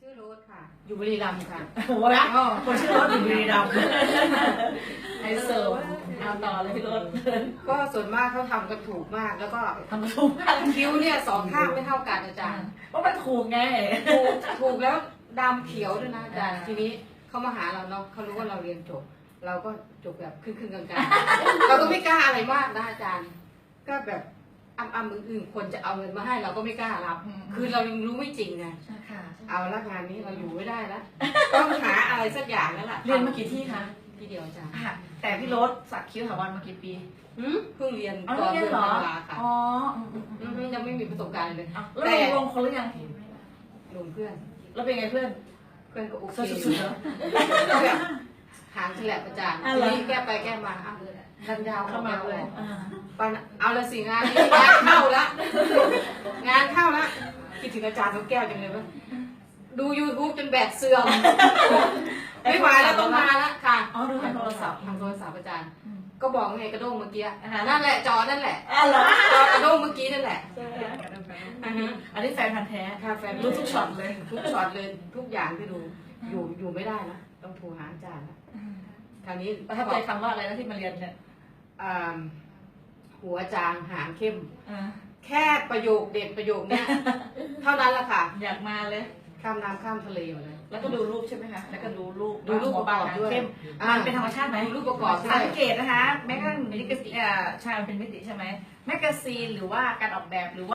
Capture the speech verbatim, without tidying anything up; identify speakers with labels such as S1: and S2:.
S1: ชื่อโรสค่ะ อยู่บุรีรัมย์ค่ะ
S2: โอ้โหนะคนชื่อรถอยู่บุรีรัมย์ไฮโซเอาต่อเลยพี่รถ
S1: ก็ส่วนมากเขาทำกันถูกมาก แล้วก็
S2: ทำถูกมาก
S1: คิ้วเนี่ยสองข้างไม่เท่ากันอาจารย์
S2: เพราะมันถูกไง
S1: ถูกถูกแล้วดำเขียวด้วยนะอาจารย์ทีนี้เขามาหาเราเนาะเขารู้ว่าเราเรียนจบ เราก็จบแบบครึ่งๆกลางๆเราก็ไม่กล้าอะไรมากนะอาจารย์ ก็แบบอ้ำๆมืออื่นคนจะเอาเงินมาให้เราก็ไม่กล้ารับ คือเรายังรู้ไม่จริงไง
S2: ค่ะ
S1: เอาละงานนี้เราอยู่ไม่ได้แล้วต้องหาอะไรสักอย่างแล้วล่ะ
S2: เรียนมากี่ที่คะ
S1: ที่เดียวอาจารย์
S2: อ่ะแต่พี่รถสักคิ้วถาวรมากี่ปี
S1: หืมเพิ่งเรียน
S2: อ๋อ
S1: ตอน
S2: เรีย
S1: เดื
S2: น
S1: อน
S2: เหรอ
S1: ธันวาค่ะ
S2: อ๋ออืมอืม
S1: อื
S2: อืม
S1: มยังไม่มีประสบการณ์เลย
S2: อ่ะแล้วลงลงคนหรือยัง
S1: ลงเพื่อน
S2: แล้วเป็นไงเพื่อน
S1: เพื่อนก็โอเค
S2: สุดๆเหรอ
S1: ก็แบบหางฉลับอาจารย์
S2: อ่ะ
S1: ที
S2: เหรอ
S1: นี้แก้ไปแก้มาอ้าวดันยาว
S2: เข้ามาเลย
S1: อ
S2: อ่า
S1: ปันเอาละสิงานนี้งานเข้าละงานเข้าละคิดถึงอาจารย์นกแก้วจังเลยว่าดู ยูทูบ จนแบตเสื่อมไม่ไหวแล้วต้องมาละค่ะ
S2: อ๋อดูทางโทรศัพท์
S1: ทางโทรศัพท์อาจารย์
S2: อืม
S1: ก็บอกไงกระด้งเมื่อกี้
S2: อ่าฮะ
S1: นั่นแหละจอนั่นแหละ
S2: อ๋อเหรอ
S1: จอกระด้งเมื่อกี้นั่นแหละอ่าฮะ
S2: อันนี้แฟนพันธ์แท้
S1: ค่ะแฟน
S2: รู้ทุกช็อตเลย
S1: ทุกช็อตเลยทุกอย่างที่ดูอยู่อยู่ไม่ได้นะต้องโทรหาอาจารย์นะคราวนี้
S2: ประทับใจคำว่าอะไรนะที่มาเรียนเนี่ย
S1: อ่าหัวจางหางเข้ม
S2: อ่า
S1: แค่ประโยคเด็ดประโยคเนี้ย เท่านั้นแหละค่ะ
S2: อยากมาเลย
S1: ข้ามน้ำข้ามทะเลมาเลย
S2: แล้วก็ดูรูปใช่ไหมคะ แล้วก็ดูรูป
S1: ดูรูป
S2: หัวบาง
S1: ประกอบด้วย
S2: เข้ม
S1: อ่ามั
S2: มันเป็นธรรมชาติไหม
S1: ดูรูปประกอบด้วย
S2: สังเกตนะคะ แม้กระทั่งมิติเอ่อใช่มันเป็นมิติใช่ไหมแมกกาซีนหรือว่าการออกแบบหรือว่า